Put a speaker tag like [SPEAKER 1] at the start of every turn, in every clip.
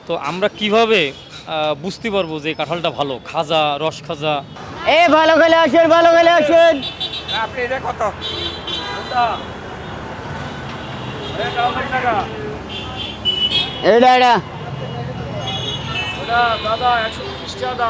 [SPEAKER 1] তো আমরা কিভাবে বুঝতে পারবো যে এই কাঁঠালটা ভালো, খাজা, রস খাজা?
[SPEAKER 2] এ ভালো খেলে আসেন, ভালো খেলে আসেন।
[SPEAKER 3] আপনি এটা কত?
[SPEAKER 2] এটা এটা
[SPEAKER 3] দাদা 130 টাকা দাম।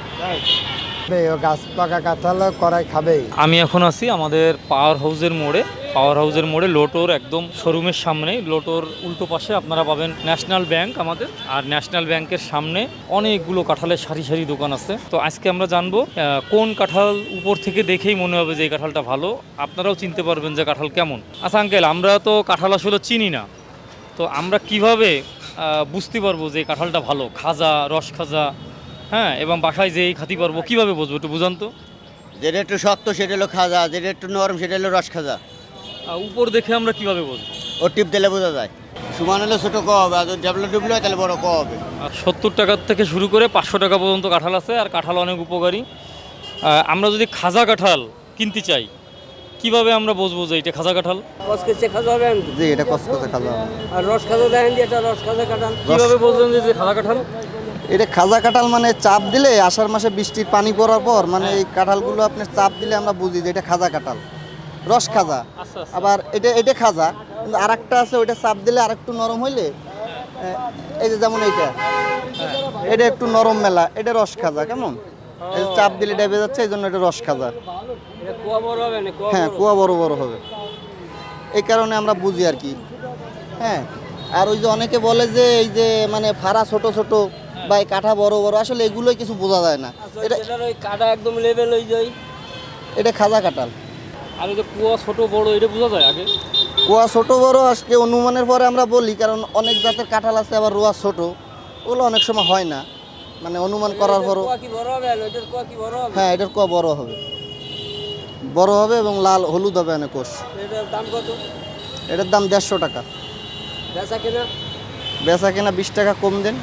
[SPEAKER 4] গাছ পাকা কাঁঠাল করাই খাবে।
[SPEAKER 1] আমি এখন আছি আমাদের পাওয়ার হাউসের মোড়ে। পাওয়ার হাউসের মোড়ে লোটোর একদম শোরুমের সামনে, লোটোর উল্টো পাশে আপনারা পাবেন ন্যাশনাল ব্যাংক আমাদের। আর ন্যাশনাল ব্যাংকের সামনে অনেকগুলো কাঁঠালের সারি সারি দোকান আছে। তো আজকে আমরা জানবো কোন কাঁঠাল উপর থেকে দেখেই মনে হবে যে এই কাঁঠালটা ভালো, আপনারাও চিনতে পারবেন যে কাঁঠাল কেমন। আচ্ছা আঙ্কেল, আমরা তো কাঁঠাল আসলে চিনি না, তো আমরা কিভাবে বুঝতে পারবো যে এই কাঁঠালটা ভালো, খাজা, রস খাজা, হ্যাঁ, এবং বাসায় যেই খাতি পারবো কীভাবে বুঝবো, একটু বুঝান তো।
[SPEAKER 2] যেটা একটু শক্ত সেটা হলো খাজা, যেটা একটু নরম সেটা হলো রস খাজা।
[SPEAKER 1] উপর দেখে আমরা কিভাবে বুঝবো?
[SPEAKER 2] ও টিপ দিলে বোঝা যায়। সমান হলে ছোটো ক হবে, আর ডেভেলপ ডুবলে হয় তাহলে বড় ক হবে।
[SPEAKER 1] আর 70 টাকার থেকে শুরু করে 500 টাকা পর্যন্ত কাঁঠাল আছে, আর কাঁঠাল অনেক উপকারী। আমরা যদি খাজা কাঁঠাল কিনতে চাই, কিভাবে আমরা বুঝবো যে এটা খাজা কাঁঠাল?
[SPEAKER 5] কসকসে খাজা হবে
[SPEAKER 4] জি, এটা কসকসে খাজা।
[SPEAKER 5] আর রস খাজা দেখেন যে এটা রস খাজা কাটান।
[SPEAKER 1] কিভাবে বুঝলেন যে যে খাজা কাঁঠাল?
[SPEAKER 4] এটা খাজা কাঁঠাল মানে চাপ দিলে আষাঢ় মাসে বৃষ্টির পানি পড়ার পর মানে এই কাঁঠালগুলো আপনি চাপ দিলে আমরা বুঝি যে এটা খাজা কাঁঠাল, রস খাজা।
[SPEAKER 1] আচ্ছা আচ্ছা।
[SPEAKER 4] আবার এটা এটা খাজা, কিন্তু আরেকটা আছে ওইটা চাপ দিলে আরেকটু নরম হইলে এই যে যেমন এইটা, এটা একটু নরম মেলা, এটা রস খাজা। কেমন এই যে চাপ দিলে ডেবে যাচ্ছে, এই জন্য এটা রস খাজা।
[SPEAKER 5] এটা কুয়া বড় হবে না কুয়া
[SPEAKER 4] হ্যাঁ, কুয়া বড় বড় হবে, এই কারণে আমরা বুঝি আর কি। হ্যাঁ, আর ওই যে অনেকে বলে যে এই যে মানে ফাড়া ছোট ছোট বা এই কাঠা বড় বড়, আসলে এগুলোই কিছু বোঝা যায় না। এটা
[SPEAKER 5] এটার ওই কাটা একদম লেভেল হয়ে যায়।
[SPEAKER 4] এটা খাজা কাঁঠাল।
[SPEAKER 1] আর এই যে কুয়া ছোট বড় এটা বোঝা যায় আগে?
[SPEAKER 4] কুয়া ছোট বড় আজকে অনুমানের পরে আমরা বলি, কারণ অনেক জাতের কাঁঠাল আছে, আবার রোয়া ছোট, ওগুলো অনেক সময় হয় না, মানে অনুমান করার পরও।
[SPEAKER 5] কুয়া কি বড় হবে? ওইটার কুয়া কি বড় হবে?
[SPEAKER 4] হ্যাঁ, এটার কুয়া বড় হবে, বড় হবে এবং লাল হলুদ হবে অনেক কোষ।
[SPEAKER 5] এটার দাম কত?
[SPEAKER 4] এটার দাম 150 টাকা।
[SPEAKER 5] বেচা কেনা?
[SPEAKER 4] বেচা কেনা 20 টাকা কম দেন,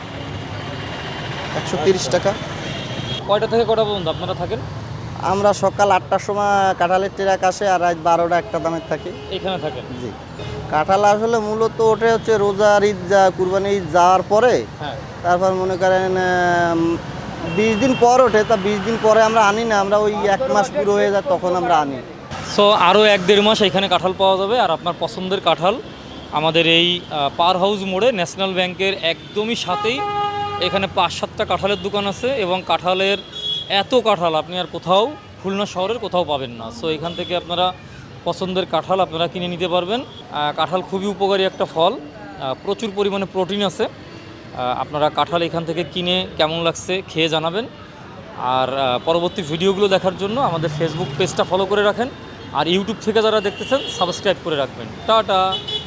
[SPEAKER 4] 130 টাকা।
[SPEAKER 1] কয়টা থেকে কয়টা পর্যন্ত আপনারা থাকেন?
[SPEAKER 4] আমরা সকাল 8টার সময় কাঁঠালের ট্রাক আসে, আর রাত 12টা একটা দামের থাকি।
[SPEAKER 1] এখানে থাকেন?
[SPEAKER 4] জি, কাঁঠাল আসলে মূলত ওঠে হচ্ছে রোজার ঈদ, যা কুরবানি ঈদ যাওয়ার পরে,
[SPEAKER 1] হ্যাঁ।
[SPEAKER 4] তারপর মনে করেন 20 দিন পর ওঠে। তা 20 দিন পরে আমরা আনি না, আমরা ওই 1 মাস পুরো হয়ে যায় তখন আমরা আনি।
[SPEAKER 1] সো আরও 1-1.5 মাস এখানে কাঁঠাল পাওয়া যাবে। আর আপনার পছন্দের কাঁঠাল আমাদের এই পাওয়ার হাউস মোড়ে ন্যাশনাল ব্যাংকের একদমই সাথেই এখানে 5-7টা কাঁঠালের দোকান আছে, এবং কাঁঠালের এত কাঁঠাল আপনি আর কোথাও, খুলনা শহরের কোথাও পাবেন না। সো এখান থেকে আপনারা পছন্দের কাঁঠাল আপনারা কিনে নিতে পারবেন। কাঁঠাল খুবই উপকারী একটা ফল, প্রচুর পরিমাণে প্রোটিন আছে। আপনারা কাঁঠাল এখান থেকে কিনে কেমন লাগছে খেয়ে জানাবেন। আর পরবর্তী ভিডিওগুলো দেখার জন্য আমাদের ফেসবুক পেজটা ফলো করে রাখেন, আর ইউটিউব থেকে যারা দেখতেছেন সাবস্ক্রাইব করে রাখবেন। টাটা।